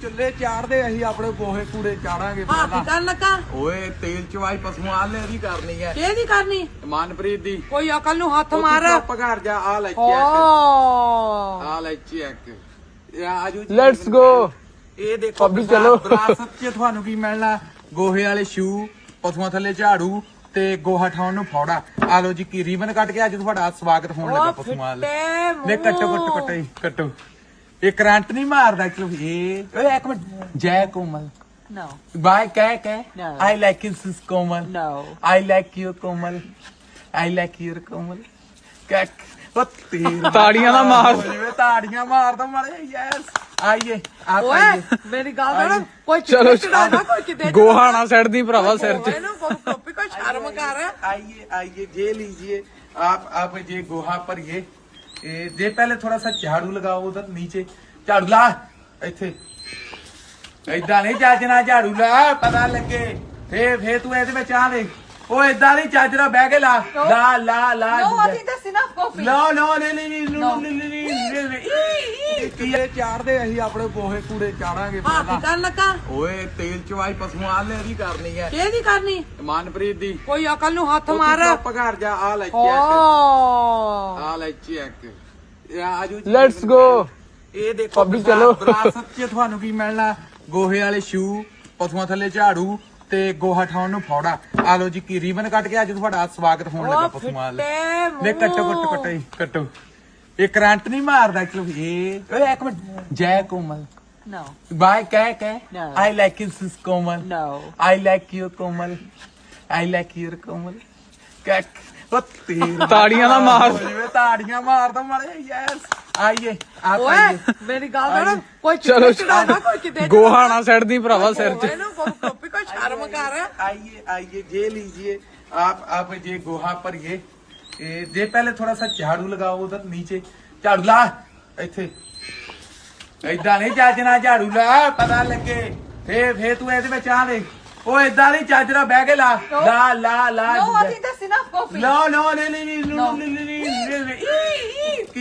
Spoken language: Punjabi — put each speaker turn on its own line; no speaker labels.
ਚੁੱਲ੍ਹੇ ਚਾੜਦੇ ਅਸੀਂ ਆਪਣੇ ਗੋਹੇ ਕੂੜੇ ਚਾੜਾਂਗੇ
ਹਾਂ ਕੀ ਕਰਨ ਲੱਗਾ
ਓਏ ਤੇਲ ਚਵਾਈ ਪਸ਼ੂਆਂ ਲੈ ਦੀ ਕਰਨੀ ਹੈ
ਕਿਹਦੀ ਕਰਨੀ
ਮਨਪ੍ਰੀਤ ਦੀ
ਕੋਈ ਅਕਲ ਨੂੰ ਹੱਥ ਮਾਰ
ਚੁੱਪ ਕਰ ਜਾ ਆ ਲੈ
ਓ
ਆ ਲੈ ਚੈੱਕ ਆਜੋ
ਲੈਟਸ ਗੋ
ਇਹ ਦੇਖੋ
ਭਾਬੀ ਚਲੋ।
ਵਿਰਾਸਤ 'ਚ ਤੁਹਾਨੂੰ ਕੀ ਮਿਲਣਾ ਗੋਹੇ ਵਾਲੇ ਸ਼ੂ ਪਸ਼ੂਆਂ ਥੱਲੇ ਝਾੜੂ ਤੇ ਗੋਹਾ ਠਾਉਣ ਨੂੰ ਫੌੜਾ ਆ ਲੋ ਜੀ ਕੀ ਰੀਬਨ ਕੱਟ ਕੇ ਅੱਜ ਤੁਹਾਡਾ ਸਵਾਗਤ ਹੋਣ ਲੱਗਾ ਪਸ਼ੂਆਂ ਲਈ ਨੇ ਕੱਟੋ ਇਹ ਕਰੰਟ ਨਹੀਂ ਮਾਰਦਾ ਚਲੋ ਇਹ ਓਏ ਇੱਕ ਮਿੰਟ ਜੈ ਕੋਮਲ
No.
ਬਾਈ ਕਹਿ
No.
I like you sis Komal
No.
I like you Komal I like you Komal ਕੱਕ
ਤਾੜੀਆਂ ਨਾ ਮਾਰ।
ਤਾੜੀਆਂ ਮਾਰਦਾ ਮਾਰੇ ਯੈਸ ਆਈਏ ਆ
ਓਏ
ਪਾਈਏ
ਮੇਰੀ ਗੱਲ ਸੁਣ ਕੋਈ
ਚਲੋ
ਚੜਾਉਂਦਾ ਕੋਈ ਕਿਤੇ
ਗੋਹਾ ਨਾ ਸੜ ਦੀ ਭਰਾਵਾ ਸਿਰ 'ਚ
ਇਹਨੂੰ ਕੋਈ ਕੋਈ ਸ਼ਰਮ ਕਰ
आइए ये लीजिए आप ये गोहा पर ये जे पहले थोड़ा सा झाड़ू लगाओ उधर नीचे झाड़ू ला इथे इदा नहीं चाजना झाड़ू ला पता लगे फे तू ਇਹਦੇ ਵਿੱਚ ਆ ਦੇ ਉਹ ਇਦਾਂ ਨਹੀਂ ਚਾਜਰਾ ਬਹਿ ਕੇ ਲਾ ਲਾ
No, I think that's enough coffee.
ਨਹੀਂ ਚਾੜਦੇ ਅਸੀਂ ਆਪਣੇ ਗੋਹੇ ਕੂੜੇ ਚਾੜਾਂਗੇ
ਹਾਂ ਕੀ ਕਰਨ ਲੱਗਾ
ਓਏ ਤੇਲ ਚਵਾਈ ਪਸ਼ੂਆਂ ਲੈ ਦੀ ਕਰਨੀ ਹੈ
ਕਿਹਦੀ ਕਰਨੀ
ਮਨਪ੍ਰੀਤ ਦੀ
ਕੋਈ ਅਕਲ ਨੂੰ ਹੱਥ ਮਾਰ
ਚੁੱਪ ਕਰ ਜਾ ਆ ਲੈ
ਓ
ਆ ਲੈ ਚੈੱਕ ਆਜੋ
ਲੈਟਸ ਗੋ
ਇਹ ਦੇਖੋ
ਭਾਬੀ ਚਲੋ।
ਵਿਰਾਸਤ 'ਚ ਤੁਹਾਨੂੰ ਕੀ ਮਿਲਣਾ ਗੋਹੇ ਵਾਲੇ ਸ਼ੂ ਪਸ਼ੂਆਂ ਥੱਲੇ ਝਾੜੂ ਤੇ ਗੋਹਾ ਠਾਉਣ ਨੂੰ ਫੌੜਾ ਆ ਲੋ ਜੀ ਕੀ ਰੀਬਨ ਕੱਟ ਕੇ ਅੱਜ ਤੁਹਾਡਾ ਸਵਾਗਤ ਹੋਣ ਲੱਗਾ ਪਸ਼ੂਆਂ ਲਈ ਨੇ ਕੱਟੋ ਇਹ ਕਰੰਟ ਨਹੀਂ ਮਾਰਦਾ ਚਲੋ ਇਹ ਓਏ ਇੱਕ ਮਿੰਟ ਜੈ ਕੋਮਲ
No.
ਬਾਈ ਕਹਿ
No.
I like you sis Komal
No.
I like you Komal I like you Komal ਕੱਕ
ਤਾੜੀਆਂ ਨਾ ਮਾਰ।
ਤਾੜੀਆਂ ਮਾਰਦਾ ਮਾਰੇ ਯੈਸ ਆਈਏ ਆ
ਓਏ
ਪਾਈਏ
ਮੇਰੀ ਗੱਲ ਸੁਣ ਕੋਈ
ਚਲੋ
ਚੜਾਉਂਦਾ ਕੋਈ ਕਿਤੇ
ਗੋਹਾ ਨਾ ਸੜ ਦੀ ਭਰਾਵਾ ਸਿਰ 'ਚ
ਇਹਨੂੰ ਕੋਈ ਕੋਈ ਸ਼ਰਮ ਕਰ
आइए ये लीजिए आप ये गोहा पर ये जे पहले थोड़ा सा झाड़ू लगाओ उधर नीचे झाड़ू ला इथे इदा नहीं चाजना झाड़ू ला पता लगे फे तू ਇਹਦੇ ਵਿੱਚ ਆ ਦੇ ਉਹ ਇਦਾਂ ਨਹੀਂ ਚਾਜਰਾ ਬਹਿ ਕੇ ਲਾ
No, I think that's enough coffee.
no